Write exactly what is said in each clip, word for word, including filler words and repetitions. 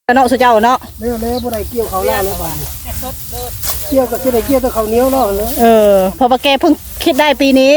เนาะสุเจ้าเนาะเลี้ยวเลี้ยวบ่ได้เกี่ยวเขาแล้วเลยบ้านเกี่ยวกับที่ได้เกี่ยวกับเขาเหนียวแล้วเลยเออพอปะแกเพิ่งคิดได้ปีนี้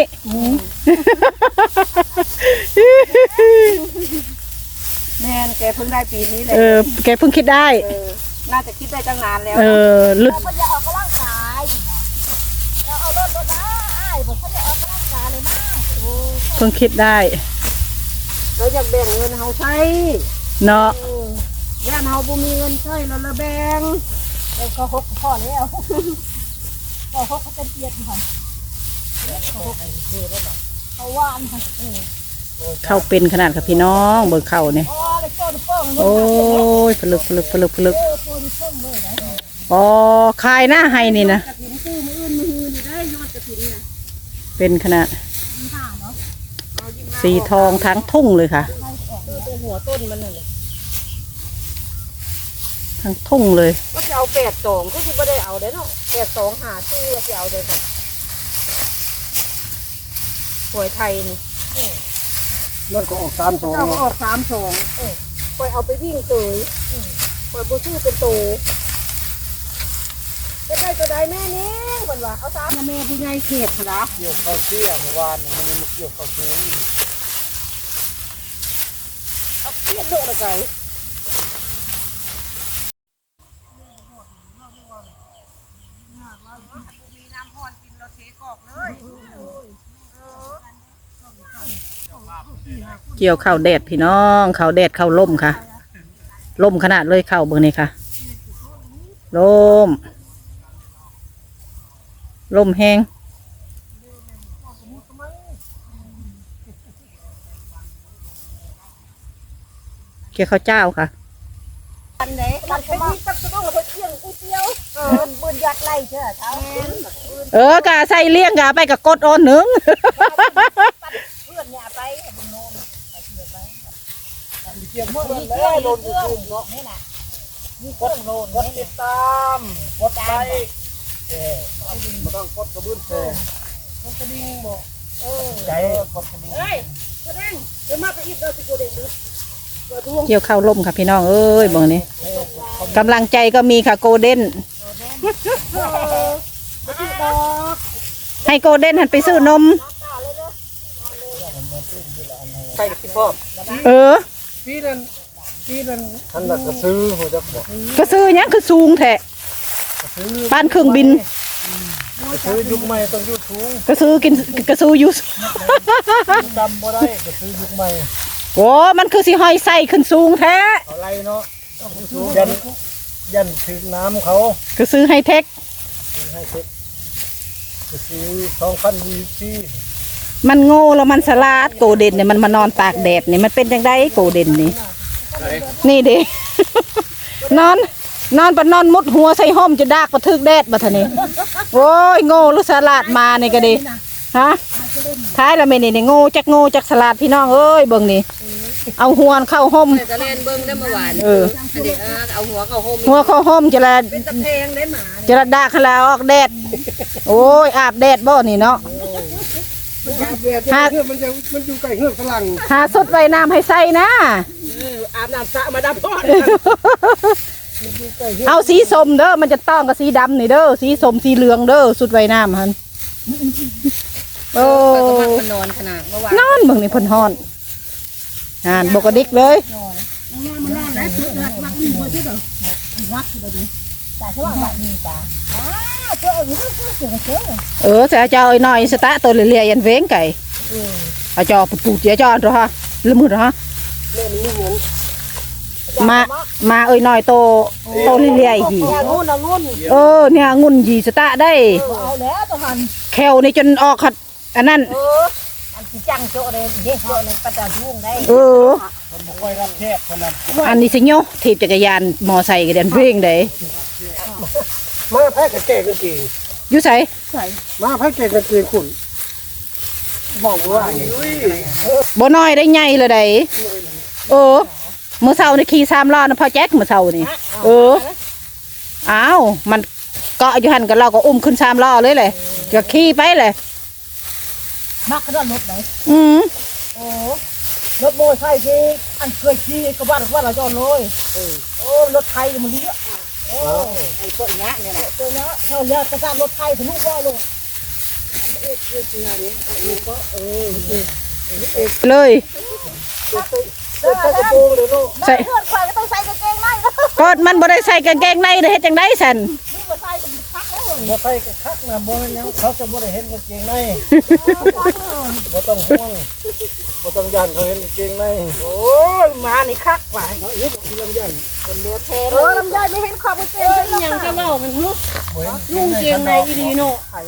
แม่นแกเพิ่งได้ปีนี้เลยเออแกเพิ่งคิดได้น่าจะคิดได้ตั้งนานแล้วเออลึกเขาจะออกกำลังกายเราเอารถรถนะไอ้ผมเขาจะออกกำลังกายเลยนะเพิ่งคิดได้เราอยากแบ่งเงินเฮาใช้เนาะย่านเฮาบ่มีเงินใช้เราละแบ่งเราเขาหกพ่อแล้วเขาหกเขาเป็นเกียรติค่ะเขาว่านค่ะเข้าเป็นขนาดกับพี่น้องเบิกเข้าเนี่ยโอ้ยผลึกผลึกผลึกผลึกอ๋อคายหน้าให้นี่นะเป็นขนาดสีทองทั้งทุ่งเลยค่ะตัวหัวต้นมันเลยทั้งทุ่งเลยก็จะเอาแปดสองก็คือไม่ได้เอาเด้เนาะแปดสองหาซื้อจะเอาเด้ค่ะหวยไทยนี่นั่นก็ออกสามสองเอาออกสามสองคอยเอาไปวิ่งเตยคอยบูชื่อเป็นโตจะได้ตัวใดแม่นี้เหมือนว่าเอาสามแม่ผู้ใหญ่เขตนะเกี่ยวเขาเชี่ยเมื่อวานมันมันเกี่ยวเขาเชี่ยเอาเกี่ยวโดดอะไรเกี่ยวข้าวแดดพี่น้องข้าวแดดข้าวล่มค่ะล่มขนาดเลยข้าวเบอร์นี่ค่ะล่มล่มแห้งเกี่ยวข้าวเจ้าค่ะอันไหนมันเป็นที่ตักต้องเอาไปเที่ยงก๋วยเตี๋ยวเออบืนยัดไล่เชื่อเขาเออกะใส่เลี้ยงกะไปกับกดอ่อนหนึ่งเพื่อนเนี่ยไปบุญโนมไปเชื่อไปเกี่ยวเมื่อวันแล้วโดนถูกเนาะนี่น่ะมีกดโลนกดติดตามกดไลค์เออไม่ต้องกดกระบื้นเซ่กดกระดิ่งบอกเออใจกดกระดิ่งเฮ้ยกระดิ่งเดี๋ยวมาไปอีกเดี๋ยวสิกูเด็กดูเกี่ยวข้าวล่มค่ะพี่น้องเอ้ยบอกนี้กำลังใจก็มีค่ะโกลเด้นให้โกลเด้นหันไปซื้อนมใช่ที่พ่อเออพี่นั่นพี่นั่นท่านก็ซื้อหัวจักบอกก็ซื้อเนี้ยคือสูงแท้บ้านเครื่องบินซื้อยุคใหม่ต้องยุคสูงก็ซื้อกินก็ซื้อยุคจำบ่ได้ก็ซื้อยุคใหม่โอ้มันคือสิหอยใส่ขึ้นสูงแท้อะไรเนาะยันยันถึงน้ำเขาก็ซื้อไฮเทคให้เทคก็ซื้อสองพันวีซีมันโง่แล้วมันสลาดโกเด่นเนี่ยมันมานอนตากแดดเนี่ยมันเป็นยังไงโกเด่นนี่นี่ดินอนนอนปะนอนมุดหัวใส่ห้อมจะดากปะทึกแดดปะท่านี่โอ้ยโง่ลูกสลาดมาเนี่ยก็ดีฮะท้ายละเมนี่เนี่ยโง่จักโง่จักสลาดพี่น้องเอ้ยเบิ่งนี่เอาหัวเข้าห้มจะเล่นเบิ้งได้เมื่อวานเออเอาหัวเข้าห้มหัวเข้าห้มจะละเป็นตะเพงได้หมาจะละดากขลาออกแดดโอ้ยอาบแดดบ่นี่เนาะหามันจะมันอยู่ใกล้เฮือกฝรั่งหาสดไว้น้ำให้ใส่นะอาบน้ำสระมาดับพ่อเอาสีส้มเด้อมันจะต้องกับสีดำนี่เด้อสีส้มสีเหลืองเด้อสุดไว้น้ำฮันโอ้นอนขนาดเมื่อวานนอนเบิ่งนี่พ่นฮ้อนอ่านบกดิกเลยเออจะเจ้าไอ้น้อยสตาตัวเลียยันเว้งไก่เอาจอปูปูเจี๋ยจอดหรอฮะลืมมือหรอฮะมามาเอ้ยน้อยโตโตเลียหีเออเนี่ยงุ่นหีสตาได้แควนี่จนออกขัดอันนั้นจังโจเลยเด็กโจเลยปัตตาทุ่งได้เอออันนี้สิโยถีบจักรยานมอไซค์กันเดินเพลงได้มาแพ้กับแก่กันกี่ยุ่ใส่มาแพ้แก่กันกี่คุณบอกว่าบ่น้อยได้ใหญ่เลยได้เออเมื่อเช้านี่ขี่สามล้อนะพ่อแจ็คเมื่อเช้านี่เอออ้าวมันเกาะอยู่หันกับเราก็อุ้มขึ้นสามล้อเลยเลยก็ขี่ไปเลยมักกระโดดรถไหนอืมโอ้รถโม่ใช่ที่อันเคยขี่กระบะกระบะเราจอดเลยโอ้รถไทยมันเลี้ยโอ้ไอ้ตัวเนี้ยเนี่ยแหละตัวเนี้ยเขาเลี้ยกระซ่ารถไทยทะลุก็ลงเอ็ดเอ็ดงานนี้เอ็ดก็เออเลยใส่กระโปรงเลยลูกใส่เพื่อนควายก็ต้องใส่กางเกงในนะก็มันบ่ได้ใส่กางเกงในเด้เฮ็ดจังได๋ซั่นนี่ก็ใส่กันพักแล้วบ่ใส่กระคักนะบ่แม่นหยังเขาจะบ่ได้เห็นกางเกงในบ่ต้องห่วงบ่ต้องยันเขาเห็นกางเกงในโอ้ยมานี่คักว่ะเอาอีกทีลำยันเป็นเนื้อแท้เออลำไยไม่เห็นขอบกางเกงเลยยังจะเล่ามันฮึลุงเกงในอีดีโน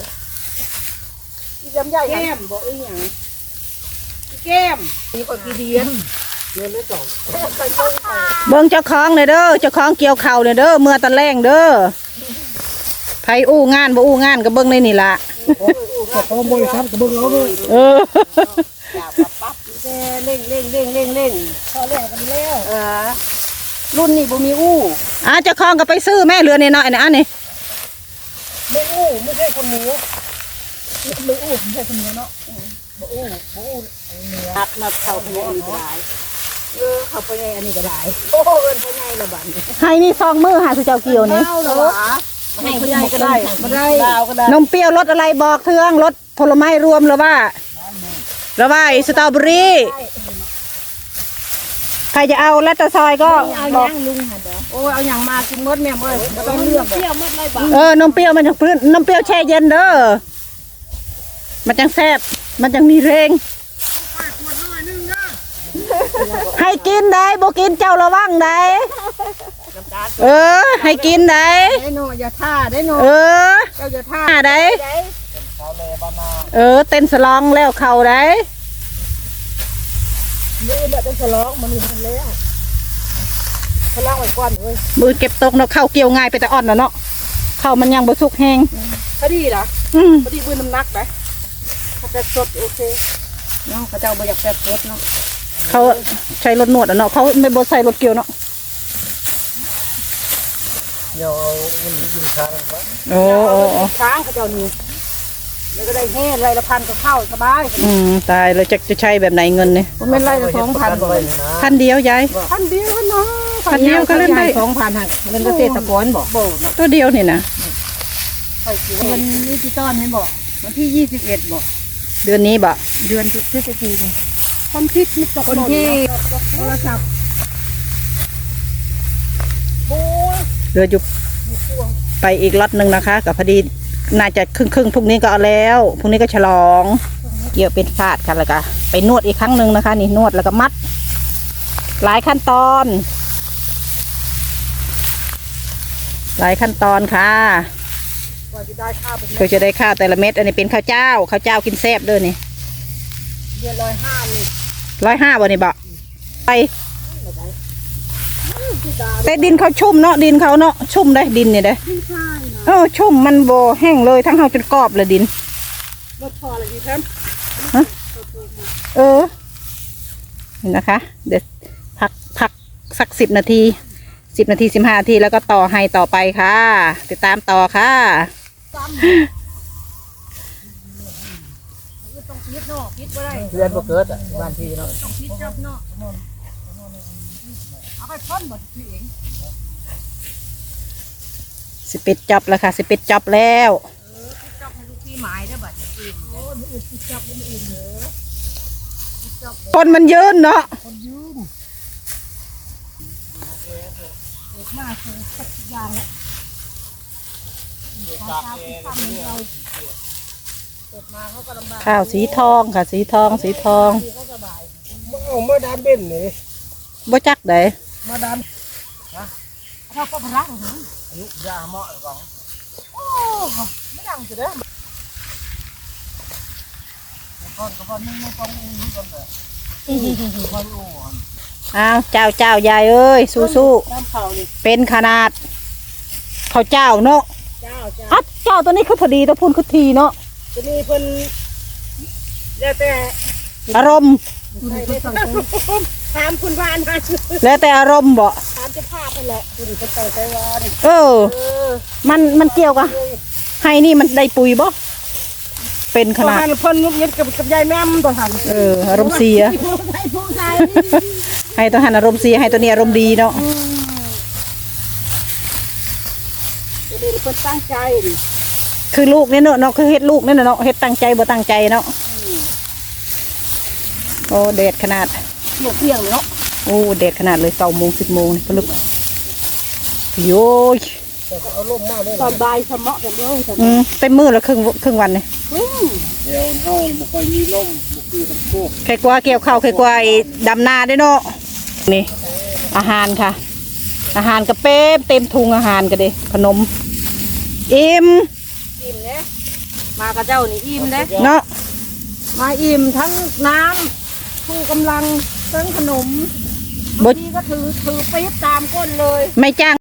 อีลำไยแก้มบอกอีหยังแก้มนี่ก็กี่เดือนเดือนละสองเบิ่งเจ้าของเลยเด้อเจ้าของเกี่ยวข้าวเลยเด้อเมื่อตะแลงเด้อไผอู้งานบ่อู้งานก็เบิ่งในนี่ล่ะโอ้ยโอ้ยบริษัทก็เบิ่งเอาเลยเออจับปั๊บเร่งเร่งเร่งเร่งเร่งพอแล้วกันแล้วเออรุ่นนี้บ่มีอู้อ่ะเจ้าของก็ไปซื้อแม่เรือน้อยๆนะอันนี้ไม่อู้ไม่ใช่คนหนูไม่อู้ไม่ใช่คนนี้เนาะบ่อู้บ่อู้หักนับเข้าไปในอันนี้ก็ได้เออเข้าไปในอันนี้ก็ได้โอ้เอิ้นไปในละบัดนี้ให้นี่ซองมือหาสุเจ้าเกี่ยวนี่เอาเหรอให้ผู้ใหญ่ก็ได้บ่ได้ดาวก็ได้นมเปรี้ยวรสอะไรบอกเทืองรสผลไม้รวมหรือว่าหรือว่าสตรอเบอรี่ใครจะเอาและตะซอยก็เอาหยังลุงหั่นเด้อโอ้เอาหยังมากินหมดแม่เอ้ยบ่ต้องเลือกเปรี้ยวหมดเลยบ่เออนมเปรี้ยวมันจากพื้นนมเปรี้ยวแช่เย็นเด้อมันจังแซ่บมันจังมีแรงให้กินได้บ่กินเจ้าระวังได้เออให้กินได้ได้โนอย่าท่าได้โนเออเจ้าอย่าท่าหาได้ชาวเลบานาเออเต้นสลองแล้วเข่าได้มือแบบเป็นฉลองมันมีทันแล้วฉลองไว้ก่อนเว้ยมือเก็บตกเนาะเข้าเกี่ยวง่ายไปแต่อ่อนแล้วเนาะเข้ามันยังบ่สุกแห้งพอดีล่ะอืมพอดีบืนน้ำหนักไปถ้าจะสดโอเคเนาะพระเจ้าบ่อยากแซ่บสดเนาะเขาใช้รถนวดอ่ะเนาะเขาไม่บ่ใส่รถเกี่ยวเนาะเดี๋ยวเอาเงินอยู่ทางวะโอ้โอ้โอ้ช้างเขาเจ้านี่แล้วก็ได้แห่ไรละพันก็เข้าสบายอืมตายแล้วจะจะใช้แบบไหนเงินเนี่ยมันเป็นไรละสองพันบ่ไว้นี่นะพันเดียวยายพันเดียวเนาะพันเดียวก็เล่นได้สองพันหักเงินเกษตรกรบอกบ่ตัวเดียวนี่นะใส่เงินดิจิตอลให้บอกวันที่ยี่สิบเอ็ดบอกเดือนนี้บ่เดือนพฤศจิกายนคนที่คนที่โทรศัพท์โอ้ยเดือนอยู่ไปอีกล็อตหนึ่งนะคะกับพอดีน่าจะครึ่งครึ่งๆพรุ่งนี้ก็เอาแล้วพรุ่งนี้ก็ฉลองเกี่ยวเป็นฟาดกันแล้วก็ไปนวดอีกครั้งหนึ่งนะคะ นี่นวดแล้วก็มัด หลายขั้นตอน หลายขั้นตอนค่ะกว่าจะได้ข้าวเป็นเพื่อจะได้ข้าวแต่ละเม็ดอันนี้เป็นข้าวเจ้าข้าวเจ้ากินแซ่บเด้อนี่เดือนร้อยห้านี่ร้อยห้าบ่นี่บ่ไปแต่ดินเขาชุ่มเนาะดินเขาเนาะชุ่มได้ดินเนี่ยได้ไม่ใช่นะเออชุ่มมันโบแห้งเลยทั้งเฮาจนกรอบเลยดินรถพออะไรดีครับเออเห็นนะคะ เดี๋ยวพักพักสักสิบนาทีสิบนาทีสิบห้านาทีแล้วก็ต่อให้ต่อไปค่ะ ติดตามต่อค่ะต้องพิษเนาะพิษบ่ได้เดือนบ่เกิดอ่ะบ้านพี่เนาะต้องพิษจับเนาะเอาไปพ่นหมดพี่เองสิบเอ็ดจับแล้วค่ะสิบเอ็ดจับแล้วจับให้ลูกพี่หมายได้บัดนี้โอ้ยมันอื่นจับมันอื่นเหรอคนมันยืนเนาะคนยืมเด็กมากคือสักอย่างแล้วเกิดมาเขาก็ลำบากข้าวสีทองค่ะ สีทองสีทองเขาสบายเอามาดามเบ็นนี่บ่จักไดมาดามเขาก็พลังหึอายุยาเหมาะหรอโอ้ไม่ดังสุดเด้อก่อนก็บ่นึงต้องอู้กันแหละค่อยอู้กันอ้าวเจ้าเจ้ายายเอ้ยสู้สู้น้ำเผานี่ๆเป็นขนาดข้าวเจ้าเนาะเจ้าเจ้าอ่ะเจ้าตัวนี้คือพอดีตัวพูนคือทีเนาะจะมีเพิ่นแล้วแต่อารมณ์ใส่ได้สังคมถามคุณวานมาแล้วแต่อารมณ์บ่ถามจะพาไปแหละคุณเป็นไต่ไต้หวันเออเออมันมันเกี่ยวกับให้นี่มันได้ปุ๋ยบ่เป็นขขนานาดดเพิ่นงุบเย็ดกับกับยายแม่มตัวหันเอออารมณ์เสียผู้ชายผู้ชายให้ตัวหันอารมณ์เสียให้ตัวนี้อารมณ์ดีเนาะเด็กเพิ่นตั้งใจดิคือลูกเนี่ยเนาะเนาะคือเฮ็ดลูกเนี่ยเนาะเฮ็ดตั้งใจบ่ตั้งใจเนาะโอ้เด็ดขนาดเที่ยงเที่ยงเลยเนาะโอ้เด็ดขนาดเลยเก้าโมงสิบโมงนี่พลึกโย้ยตอนบ่ายสมะกันเด้อจ้ะอืมเต็มมือแล้วครึ่งครึ่งวันเลยอืมเดี๋ยวเฮาบ่ค่อยมีลมบ่คือกับพวกไข่กวาเกี่ยวข้าวไข่กวาไอ้ดำนาด้วยเนาะนี่อาหารค่ะ อาหารกระเป๊บเต็มทุงอาหารกันเด้ขนมอิ่มอิ่มเด้มากับเจ้านี่อิ่มเด้เนาะมาอิ่มทั้งน้ำผู้กำลังทั้งขนมบ่บางทีก็ถือถือปี๊บตามก้นเลยไม่จ้าง